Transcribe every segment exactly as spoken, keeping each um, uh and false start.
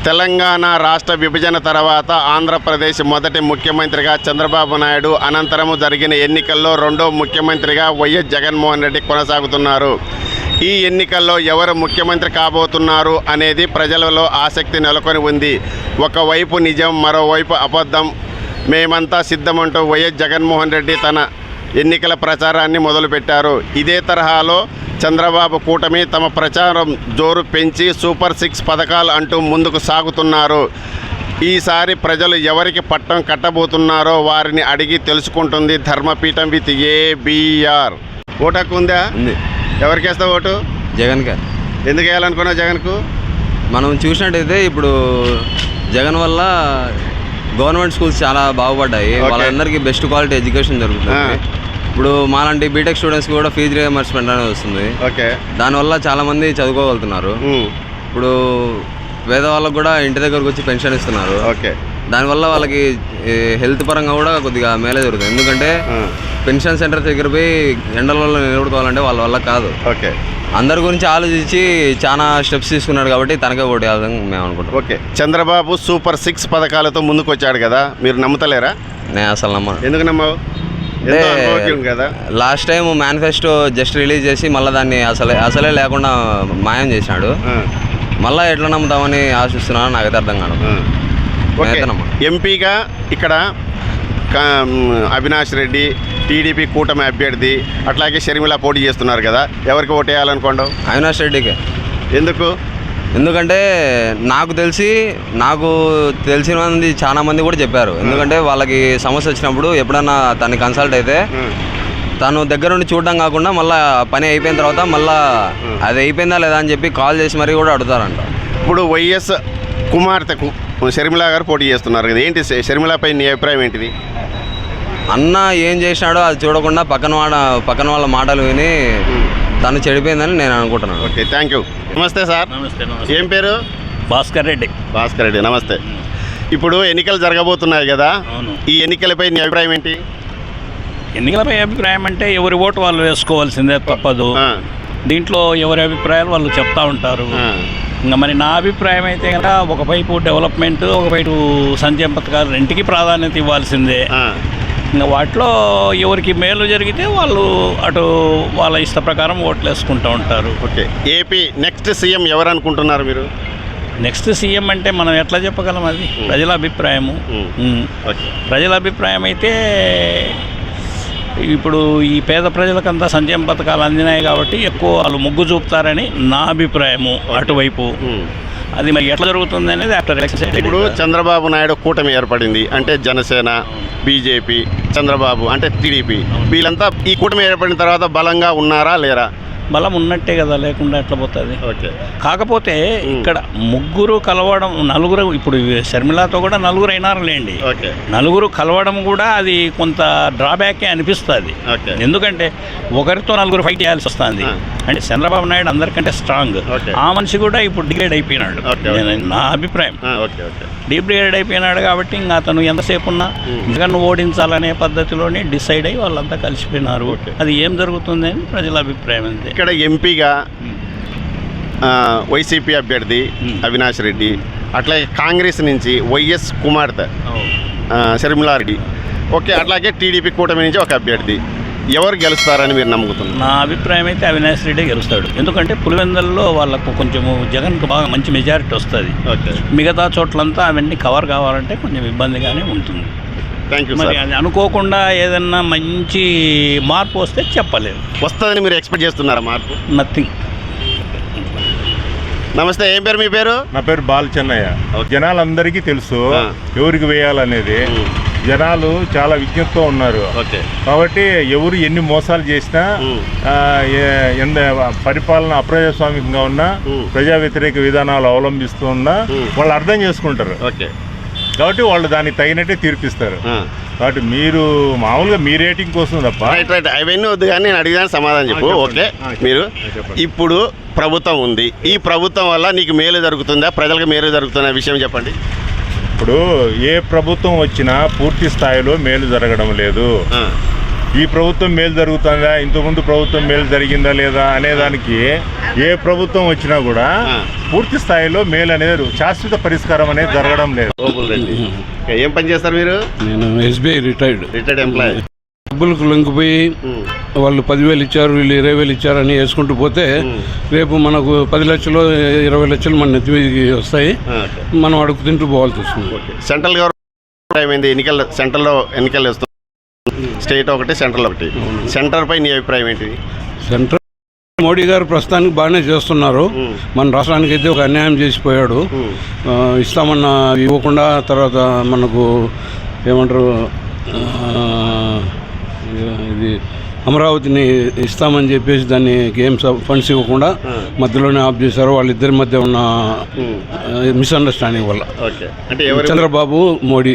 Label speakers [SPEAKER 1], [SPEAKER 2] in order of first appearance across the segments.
[SPEAKER 1] తెలంగాణ రాష్ట్ర విభజన తర్వాత ఆంధ్రప్రదేశ్ మొదటి ముఖ్యమంత్రిగా చంద్రబాబు నాయుడు, అనంతరము జరిగిన ఎన్నికల్లో రెండో ముఖ్యమంత్రిగా వైఎస్ జగన్మోహన్ రెడ్డి కొనసాగుతున్నారు. ఈ ఎన్నికల్లో ఎవరు ముఖ్యమంత్రి కాబోతున్నారు అనేది ప్రజలలో ఆసక్తి నెలకొని ఉంది. ఒకవైపు నిజం, మరోవైపు అబద్ధం. మేమంతా సిద్ధమంటూ వైఎస్ జగన్మోహన్ రెడ్డి తన ఎన్నికల ప్రచారాన్ని మొదలుపెట్టారు. ఇదే తరహాలో చంద్రబాబు కూటమి తమ ప్రచారం జోరు పెంచి సూపర్ సిక్స్ పథకాలు అంటూ ముందుకు సాగుతున్నారు. ఈసారి ప్రజలు ఎవరికి పట్టం కట్టబోతున్నారో వారిని అడిగి తెలుసుకుంటుంది ధర్మపీఠం విత్ ఏబిఆర్. ఓటు హక్కు ఉందా?
[SPEAKER 2] ఉంది.
[SPEAKER 1] ఎవరికి వేస్తావు ఓటు?
[SPEAKER 2] జగన్ గారు.
[SPEAKER 1] ఎందుకు వేయాలనుకున్నావు జగన్కు?
[SPEAKER 2] మనం చూసినట్టయితే ఇప్పుడు జగన్ వల్ల గవర్నమెంట్ స్కూల్స్ చాలా బాగుపడ్డాయి. వాళ్ళందరికీ బెస్ట్ క్వాలిటీ ఎడ్యుకేషన్ జరుగుతుంది. ఇప్పుడు మాలాంటి బీటెక్ స్టూడెంట్స్కి కూడా ఫీజు రియంబర్స్మెంట్ అనేది వస్తుంది.
[SPEAKER 1] ఓకే.
[SPEAKER 2] దానివల్ల చాలామంది చదువుకోగలుగుతున్నారు. ఇప్పుడు పేద వాళ్ళకు కూడా ఇంటి దగ్గరకు వచ్చి పెన్షన్ ఇస్తున్నారు.
[SPEAKER 1] ఓకే.
[SPEAKER 2] దానివల్ల వాళ్ళకి హెల్త్ పరంగా కూడా కొద్దిగా మేలే జరుగుతుంది. ఎందుకంటే పెన్షన్ సెంటర్ దగ్గర పోయి ఎండలలో నిలబడుకోవాలంటే వాళ్ళ వల్ల కాదు.
[SPEAKER 1] ఓకే. అందరి
[SPEAKER 2] గురించి ఆలోచించి చాలా స్టెప్స్ తీసుకున్నాడు కాబట్టి తనకే ఓటు వేయాలని మేము అనుకుంటాం.
[SPEAKER 1] ఓకే. చంద్రబాబు సూపర్ సిక్స్ పథకాలతో ముందుకు వచ్చాడు కదా, మీరు నమ్ముతలేరా?
[SPEAKER 2] నేను అసలు నమ్మను.
[SPEAKER 1] ఎందుకు నమ్మవు? కదా
[SPEAKER 2] last time manifesto just release చేసి మళ్ళీ దాన్ని అసలే అసలే లేకుండా మాయం చేసినాడు. మళ్ళీ ఎట్లా నమ్ముతామని ఆశిస్తున్నాను, నాకైతే అర్థం కాదు.
[SPEAKER 1] ఎంపీగా ఇక్కడ అవినాష్ రెడ్డి టీడీపీ కూటమి అభ్యర్థి, అట్లాగే షర్మిల పోటీ చేస్తున్నారు కదా, ఎవరికి ఓటు వేయాలనుకోండి?
[SPEAKER 2] అవినాష్ రెడ్డికి.
[SPEAKER 1] ఎందుకు?
[SPEAKER 2] ఎందుకంటే నాకు తెలిసి నాకు తెలిసిన మంది చాలా మంది కూడా చెప్పారు. ఎందుకంటే వాళ్ళకి సమస్య వచ్చినప్పుడు ఎప్పుడన్నా తనని కన్సల్ట్ అయితే తను దగ్గర నుండి చూడడం కాకుండా మళ్ళీ పని అయిపోయిన తర్వాత మళ్ళీ అది అయిపోయిందా లేదా అని చెప్పి కాల్ చేసి మరీ కూడా అడుగుతారంట.
[SPEAKER 1] ఇప్పుడు వైఎస్ కుమార్తెకు షర్మిల గారు పోటీ చేస్తున్నారు కదా, ఏంటి షర్మిలపై నీ అభిప్రాయం ఏంటిది?
[SPEAKER 2] అన్న ఏం చేసినాడో అది చూడకుండా పక్కన వాడ పక్కన వాళ్ళ మాటలు విని తను చెడిపోయిందని నేను అనుకుంటున్నాను.
[SPEAKER 1] Okay, thank you. నమస్తే సార్.
[SPEAKER 3] నమస్తే.
[SPEAKER 1] ఏం పేరు?
[SPEAKER 3] భాస్కర్ రెడ్డి.
[SPEAKER 1] భాస్కర్ రెడ్డి, నమస్తే. ఇప్పుడు ఎన్నికలు జరగబోతున్నాయి కదా, ఈ ఎన్నికలపై నీ అభిప్రాయం ఏంటి?
[SPEAKER 3] ఎన్నికలపై అభిప్రాయం అంటే ఎవరి ఓటు వాళ్ళు వేసుకోవాల్సిందే, తప్పదు. దీంట్లో ఎవరి అభిప్రాయాలు వాళ్ళు చెప్తా ఉంటారు. ఇంకా మరి నా అభిప్రాయం అయితే కనుక ఒకవైపు డెవలప్మెంట్, ఒకవైపు సంక్షేమ పథకాలు రెంటికి ప్రాధాన్యత ఇవ్వాల్సిందే. ఇంకా వాటిలో ఎవరికి మేలు జరిగితే వాళ్ళు అటు వాళ్ళ ఇష్ట ప్రకారం ఓట్లు వేసుకుంటూ ఉంటారు.
[SPEAKER 1] ఓకే. ఏపీ నెక్స్ట్ సీఎం ఎవరు అనుకుంటున్నారు మీరు?
[SPEAKER 3] నెక్స్ట్ సీఎం అంటే మనం ఎట్లా చెప్పగలం? అది ప్రజల అభిప్రాయము. ప్రజల అభిప్రాయం అయితే ఇప్పుడు ఈ పేద ప్రజలకంతా సంక్షేమ పథకాలు అందినాయి కాబట్టి ఎక్కువ వాళ్ళు మొగ్గు చూపుతారని నా అభిప్రాయము. అటువైపు అది మరి ఎట్లా జరుగుతుంది అనేది ఆఫ్టర్ ఎలక్షన్.
[SPEAKER 1] ఇప్పుడు చంద్రబాబు నాయుడు కూటమి ఏర్పడింది అంటే జనసేన, బీజేపీ, చంద్రబాబు అంటే టీడీపీ, వీళ్ళంతా ఈ కూటమి ఏర్పడిన తర్వాత బలంగా ఉన్నారా లేరా?
[SPEAKER 3] బలం ఉన్నట్టే కదా, లేకుండా ఎట్లా పోతుంది?
[SPEAKER 1] ఓకే.
[SPEAKER 3] కాకపోతే ఇక్కడ ముగ్గురు కలవడం, నలుగురు, ఇప్పుడు షర్మిలతో కూడా నలుగురు అయినారు లేండి.
[SPEAKER 1] ఓకే.
[SPEAKER 3] నలుగురు కలవడం కూడా అది కొంత డ్రాబ్యాకే అనిపిస్తుంది. ఎందుకంటే ఒకరితో నలుగురు ఫైట్ చేయాల్సి వస్తుంది. అంటే చంద్రబాబు నాయుడు అందరికంటే స్ట్రాంగ్. ఆ మనిషి కూడా ఇప్పుడు డిగ్రేడ్ అయిపోయినాడు, నా అభిప్రాయం. డిగ్రేడ్ అయిపోయినాడు కాబట్టి ఇంకా అతను ఎంతసేపు ఉన్నా జగన్ ఓడించాలనే పద్ధతిలోనే డిసైడ్ అయ్యి వాళ్ళంతా కలిసిపోయినారు. అది ఏం జరుగుతుంది అని ప్రజల అభిప్రాయం అంతే.
[SPEAKER 1] ఇక్కడ ఎంపీగా వైసీపీ అభ్యర్థి అవినాష్ రెడ్డి, అట్లాగే కాంగ్రెస్ నుంచి వైఎస్ కుమార్తె షర్మిలారెడ్డి, ఓకే, అట్లాగే టీడీపీ కూటమి నుంచి ఒక అభ్యర్థి, ఎవరు గెలుస్తారని మీరు నమ్ముతున్నారు?
[SPEAKER 3] నా అభిప్రాయం అయితే అవినాష్ రెడ్డి గెలుస్తాడు. ఎందుకంటే పులివెందుల్లో వాళ్ళకు కొంచెము జగన్కు బాగా మంచి మెజారిటీ వస్తుంది. మిగతా చోట్లంతా అవన్నీ కవర్ కావాలంటే కొంచెం ఇబ్బందిగానే ఉంటుంది.
[SPEAKER 1] Thank you.
[SPEAKER 3] మరి అది అనుకోకుండా ఏదన్నా మంచి మార్పు వస్తే చెప్పలేదు.
[SPEAKER 1] వస్తుందని మీరు ఎక్స్పెక్ట్ చేస్తున్నారా మార్పు?
[SPEAKER 3] నథింగ్.
[SPEAKER 1] నమస్తే, ఏం పేరు మీ పేరు?
[SPEAKER 4] నా పేరు బాల చెన్నయ్య. జనాలందరికీ తెలుసు ఎవరికి వేయాలనేది. జనాలు చాలా విజ్ఞతతో ఉన్నారు కాబట్టి ఎవరు ఎన్ని మోసాలు చేసినా, ఎంత పరిపాలన అప్రజాస్వామికంగా ఉన్నా, ప్రజా వ్యతిరేక విధానాలు అవలంబిస్తూ ఉన్నా వాళ్ళు అర్థం చేసుకుంటారు. కాబట్టి వాళ్ళు దానికి తగినట్టే తీర్పిస్తారు. కాబట్టి మీరు మామూలుగా మీ రేటింగ్ కోసం తప్ప
[SPEAKER 1] అవన్నీ వద్దు, కానీ నేను అడిగిన సమాధానం చెప్పు. ఓకే, మీరు ఇప్పుడు ప్రభుత్వం ఉంది, ఈ ప్రభుత్వం వల్ల నీకు మేలు జరుగుతుందా, ప్రజలకు మేలు జరుగుతుందా విషయం చెప్పండి.
[SPEAKER 4] ఇప్పుడు ఏ ప్రభుత్వం వచ్చినా పూర్తి స్థాయిలో మేలు జరగడం లేదు. ఈ ప్రభుత్వం మేలు జరుగుతుందా, ఇంతకుముందు ప్రభుత్వం మేలు జరిగిందా లేదా అనేదానికి ఏ ప్రభుత్వం వచ్చినా కూడా పూర్తి స్థాయిలో మేలు అనేది శాశ్వత పరిష్కారం అనేది జరగడం లేదు.
[SPEAKER 1] ఏం పని చేస్తారు మీరు?
[SPEAKER 5] నేను ఎస్బీఐ రిటైర్డ్
[SPEAKER 1] రిటైర్డ్ ఎంప్లాయీ.
[SPEAKER 5] డబ్బులకు లొంగిపోయి వాళ్ళు పదివేలు ఇచ్చారు, వీళ్ళు ఇరవై వేలు ఇచ్చారు అని వేసుకుంటూ పోతే రేపు మనకు పది లక్షలు ఇరవై లక్షలు మన నెత్తి మీదకి వస్తాయి, మనం అడుగు తింటూ పోవాల్సి వస్తుంది.
[SPEAKER 1] సెంట్రల్ గవర్నమెంట్ ఏమైంది? ఎన్నికలు సెంట్రల్లో ఎన్నికలు వస్తుంది, స్టేట్ ఒకటి సెంట్రల్ ఒకటి. సెంటర్ పై నీ అభిప్రాయం ఏంటి?
[SPEAKER 5] సెంట్రల్ మోడీ గారు ప్రస్తుతానికి బాగానే చేస్తున్నారు. మన రాష్ట్రానికి అయితే ఒక అన్యాయం చేసిపోయాడు. ఇస్తామన్న ఇవ్వకుండా తర్వాత మనకు ఏమంటారు ఇది అమరావతిని ఇస్తామని చెప్పేసి దాన్ని ఏం ఫండ్స్ ఇవ్వకుండా మధ్యలోనే ఆఫ్ చేశారు. వాళ్ళిద్దరి మధ్య ఉన్న మిస్అండర్స్టాండింగ్ వల్ల చంద్రబాబు మోడీ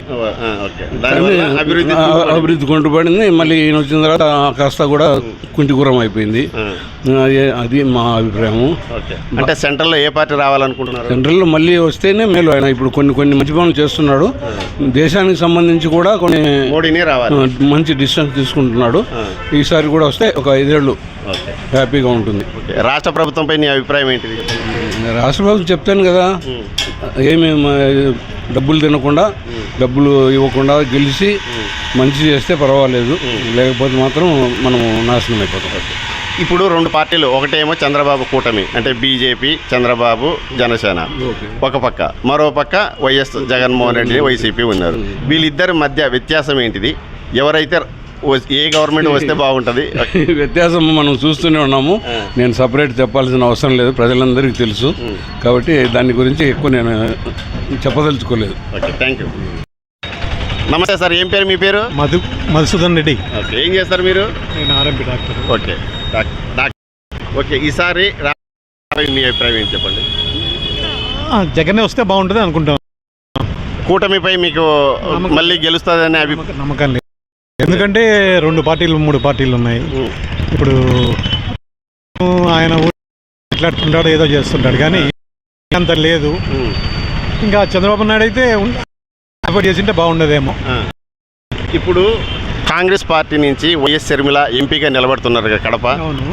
[SPEAKER 5] అభివృద్ధి కొంటుపడింది. మళ్ళీ ఈయన వచ్చిన తర్వాత కాస్త కూడా కుంటికూరం అయిపోయింది. అది మా అభిప్రాయము.
[SPEAKER 1] అంటే సెంట్రల్లో ఏ పార్టీ రావాలనుకుంటున్నారు?
[SPEAKER 5] సెంట్రల్లో మళ్ళీ వస్తేనే మేలు. ఆయన ఇప్పుడు కొన్ని కొన్ని మంచి పనులు చేస్తున్నాడు. దేశానికి సంబంధించి కూడా కొన్ని
[SPEAKER 1] మోడీనే రావాలి,
[SPEAKER 5] మంచి డిసిషన్స్ తీసుకుంటున్నాడు. ఈసారి కూడా వస్తే ఒక ఐదేళ్ళు హ్యాపీగా ఉంటుంది.
[SPEAKER 1] రాష్ట్ర ప్రభుత్వంపై నీ అభిప్రాయం ఏంటిది?
[SPEAKER 5] రాష్ట్ర ప్రభుత్వం చెప్తాను కదా, ఏమి డబ్బులు తినకుండా డబ్బులు ఇవ్వకుండా గెలిచి మంచి చేస్తే పర్వాలేదు, లేకపోతే మాత్రం మనము నాశనం అయిపోతాం.
[SPEAKER 1] ఇప్పుడు రెండు పార్టీలు, ఒకటేమో చంద్రబాబు కూటమి అంటే బీజేపీ, చంద్రబాబు జనసేన ఒక పక్క, మరో పక్క వైఎస్ జగన్మోహన్ రెడ్డి వైసీపీ ఉన్నారు. వీళ్ళిద్దరి మధ్య వ్యత్యాసం ఏంటిది? ఎవరైతే ఏ గవర్నమెంట్ వస్తే బాగుంటుంది?
[SPEAKER 5] వ్యత్యాసం మనం చూస్తూనే ఉన్నాము. నేను సపరేట్ చెప్పాల్సిన అవసరం లేదు, ప్రజలందరికీ తెలుసు. కాబట్టి దాని గురించి ఎక్కువ నేను చెప్పదలుచుకోలేదు.
[SPEAKER 1] Okay, thank you. నమస్తే సార్, ఏం పేరు మీ పేరు?
[SPEAKER 6] మధు మధుసూదన్ రెడ్డి.
[SPEAKER 1] ఓకే, ఏం చేస్తారు మీరు?
[SPEAKER 6] నేను RMP doctor.
[SPEAKER 1] Okay doctor. Okay, ఈసారి మీ అభిప్రాయం ఏంటి చెప్పండి?
[SPEAKER 6] జగనే వస్తే బాగుంటుంది అనుకుంటాం.
[SPEAKER 1] కూటమిపై మీకు మళ్ళీ గెలుస్తుందనే అభిప్రాయం
[SPEAKER 6] నమ్మకం లేదు. ఎందుకంటే రెండు పార్టీలు మూడు పార్టీలు ఉన్నాయి. ఇప్పుడు ఆయన మాట్లాడుతుంటాడు, ఏదో చేస్తుంటాడు, కానీ అంత లేదు. ఇంకా చంద్రబాబు నాయుడు అయితే సపోర్ట్ చేసింటే బాగుండేదేమో.
[SPEAKER 1] ఇప్పుడు కాంగ్రెస్ పార్టీ నుంచి వైఎస్ షర్మిల ఎంపీగా నిలబడుతున్నారు కదా కడప.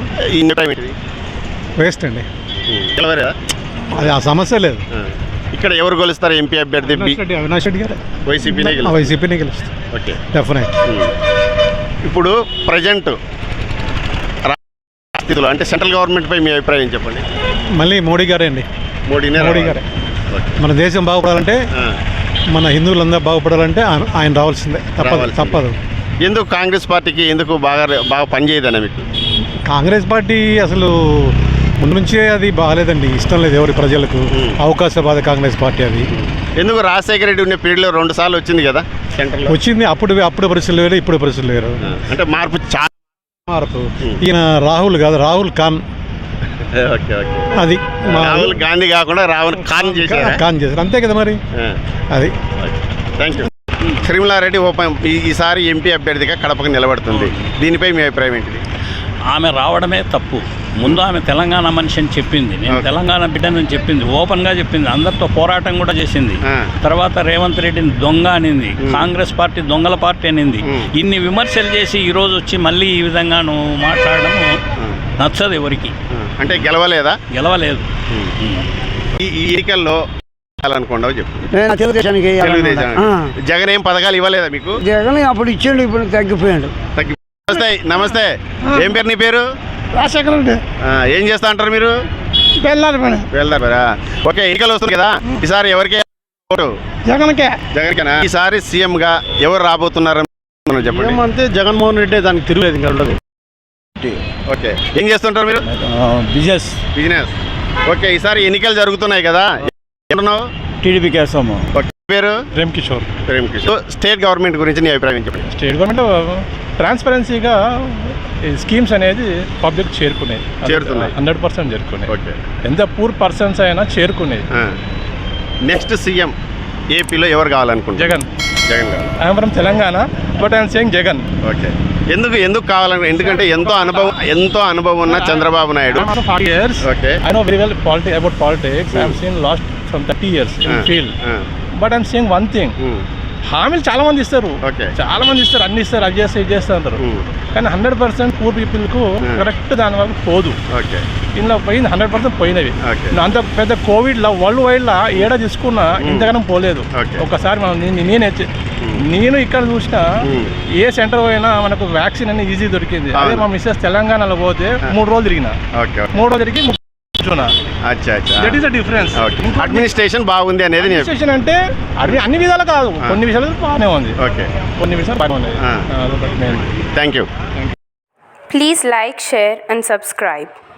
[SPEAKER 6] వేస్ట్ అండి,
[SPEAKER 1] గెలవరా?
[SPEAKER 6] అది ఆ సమస్య లేదు.
[SPEAKER 1] ఇక్కడ ఎవరు గెలుస్తారు ఎంపీ అభ్యర్థి?
[SPEAKER 6] అవినాష్ రెడ్డి గారు
[SPEAKER 1] వైసీపీనే
[SPEAKER 6] వైసీపీనే గెలుస్తారు.
[SPEAKER 1] Okay,
[SPEAKER 6] definite.
[SPEAKER 1] ఇప్పుడు ప్రజెంట్ స్థితిలో అంటే సెంట్రల్ గవర్నమెంట్ పై మీ అభిప్రాయం చెప్పండి.
[SPEAKER 6] మళ్ళీ మోడీ గారే అండి.
[SPEAKER 1] మోడీనే
[SPEAKER 6] మోడీ గారే. మన దేశం బాగుపడాలంటే, మన హిందువులందరూ బాగుపడాలంటే ఆయన రావాల్సిందే, తప్పదు తప్పదు.
[SPEAKER 1] ఎందుకు కాంగ్రెస్ పార్టీకి ఎందుకు బాగా బాగా పనిచేయదన్న మీకు?
[SPEAKER 6] కాంగ్రెస్ పార్టీ అసలు ముందు నుంచే అది బాగాలేదండి, ఇష్టం లేదు ఎవరి ప్రజలకు. అవకాశవాద కాంగ్రెస్ పార్టీ అది.
[SPEAKER 1] ఎందుకు? రాజశేఖర రెడ్డి ఉన్న పీరియడ్లో రెండు సార్లు వచ్చింది కదా సెంట్రల్.
[SPEAKER 6] వచ్చింది, అప్పుడు అప్పుడు పరిస్థితులు వేరు, ఇప్పుడు పరిస్థితులు వేరు.
[SPEAKER 1] అంటే మార్పు చాలా
[SPEAKER 6] మార్పు. ఈయన రాహుల్ కాదు, రాహుల్ ఖాన్.
[SPEAKER 1] ఓకే ఓకే,
[SPEAKER 6] అది
[SPEAKER 1] రాహుల్ గాంధీ కాకుండా రాహుల్ ఖాన్ చేశారు.
[SPEAKER 6] ఖాన్ చేశారు, అంతే కదా మరి. అది.
[SPEAKER 1] Thank you. షర్మిలారెడ్డి ఓపెన్ ఈసారి ఎంపీ అభ్యర్థిగా కడపకు నిలబడుతుంది, దీనిపై మీ అభిప్రాయం ఏంటిది?
[SPEAKER 3] ఆమె రావడమే తప్పు. ముందు ఆమె తెలంగాణ మనిషి అని చెప్పింది, నేను తెలంగాణ బిడ్డనని చెప్పింది, ఓపెన్గా చెప్పింది, అందరితో పోరాటం కూడా చేసింది. తర్వాత రేవంత్ రెడ్డిని దొంగ అనింది, కాంగ్రెస్ పార్టీ దొంగల పార్టీ అనింది. ఇన్ని విమర్శలు చేసి ఈరోజు వచ్చి మళ్ళీ ఈ విధంగా నువ్వు మాట్లాడడం నచ్చదు ఎవరికి.
[SPEAKER 1] అంటే గెలవలేదా?
[SPEAKER 3] గెలవలేదు.
[SPEAKER 1] ఈ ఎన్నికల్లో అనుకోండి చెప్పు.
[SPEAKER 7] తెలుగుదేశానికి
[SPEAKER 1] జగన్ ఏం పథకాలు ఇవ్వలేదా మీకు?
[SPEAKER 7] జగన్ అప్పుడు ఇచ్చిండు, ఇప్పుడు తగ్గిపోయాడు.
[SPEAKER 1] తగ్గి నమస్తే. నమస్తే, ఏం పేరు నీ పేరు?
[SPEAKER 7] రాజశేఖర రెడ్డి.
[SPEAKER 1] ఏం చేస్తా అంటారు మీరు?
[SPEAKER 7] వెళ్ళాలి పని.
[SPEAKER 1] వెళ్తారా? ఓకే, ఎన్నికలు వస్తుంది కదా, ఈసారి ఎవరికి ఓటు?
[SPEAKER 7] జగన్కే.
[SPEAKER 1] జగన్కేనా? ఈసారి సీఎం గా ఎవరు రాబోతున్నారు చెప్పండి.
[SPEAKER 6] అంటే జగన్మోహన్ రెడ్డి, దానికి తిరుగులేదు ఇంకా ఉండదు.
[SPEAKER 1] ఓకే, ఏం చేస్తుంటారు మీరు?
[SPEAKER 6] బిజినెస్.
[SPEAKER 1] బిజినెస్. ఓకే, ఈసారి ఎన్నికలు జరుగుతున్నాయి కదా, ఏమన్నావు?
[SPEAKER 6] టీడీపీ కేసాము.
[SPEAKER 1] పేరు?
[SPEAKER 6] ప్రేమ్ కిషోర్.
[SPEAKER 1] ప్రేమ్ కిషోర్. స్టేట్ గవర్నమెంట్ గురించి నీ అభిప్రాయం చెప్పండి.
[SPEAKER 6] స్టేట్ గవర్నమెంట్ ట్రాన్స్పరెన్సీగా ఈ స్కీమ్స్ అనేది పబ్లిక్ చేరుకునేది,
[SPEAKER 1] చేరుతున్నాయి,
[SPEAKER 6] హండ్రెడ్ పర్సెంట్ చేరుకునేది.
[SPEAKER 1] ఓకే,
[SPEAKER 6] ఎంత పూర్ పర్సన్స్ అయినా చేరుకునేది.
[SPEAKER 1] నెక్స్ట్ సీఎం ఏపీలో ఎవరు కావాలనుకుంటున్నారు?
[SPEAKER 6] జగన్.
[SPEAKER 1] జగన్ కావాలి.
[SPEAKER 6] I'm from Telangana, but I'm saying Jagan.
[SPEAKER 1] Okay, ఎందుకు ఎందుకు కావాలను? ఎందుకంటే ఎంతో అనుభవం ఎంతో అనుభవం ఉన్న Chandrababu Naidu.
[SPEAKER 6] Years.
[SPEAKER 1] Okay,
[SPEAKER 6] I know very well politics about politics. I have seen last from thirty years in field. But I'm saying one thing,
[SPEAKER 8] హామీలు చాలా మంది ఇస్తారు,
[SPEAKER 1] ఓకే.
[SPEAKER 8] చాలా మంది ఇస్తారు, అన్ని ఇస్తారు, అది చేస్తారు, ఇది చేస్తారు అంటారు. కానీ హండ్రెడ్ పర్సెంట్ పూర్ పీపుల్కు కరెక్ట్ దాని వరకు పోదు.
[SPEAKER 1] ఓకే.
[SPEAKER 8] ఇందులో పోయింది హండ్రెడ్ పర్సెంట్ పోయినవి.
[SPEAKER 1] ఓకే.
[SPEAKER 8] అంత పెద్ద కోవిడ్లో వరల్డ్ వైడ్లో ఏడా తీసుకున్నా ఇంతగానం పోలేదు.
[SPEAKER 1] ఓకే.
[SPEAKER 8] ఒకసారి మనం నేను నేనే నేను ఇక్కడ చూసినా ఏ సెంటర్ పోయినా మనకు వ్యాక్సిన్ అనేది ఈజీ దొరికింది. అదే మా మిస్సెస్ తెలంగాణలో పోతే మూడు రోజులు తిరిగిన
[SPEAKER 1] ఓకే.
[SPEAKER 8] మూడు రోజులు తిరిగి కూర్చున్నా.
[SPEAKER 1] అచ్చా అచ్చా.
[SPEAKER 8] That is the difference.
[SPEAKER 1] Administration బాగుంది అనేది నేను-
[SPEAKER 8] అడ్మినిస్ట్రేషన్ అంటే అన్ని అన్ని విధాలు కాదు, కొన్ని విషయాలు బాగానే ఉంది,
[SPEAKER 1] ఓకే.
[SPEAKER 8] కొన్ని విషయాలు బాగానే ఉంది.
[SPEAKER 1] Thank you.
[SPEAKER 9] Please like, share and subscribe.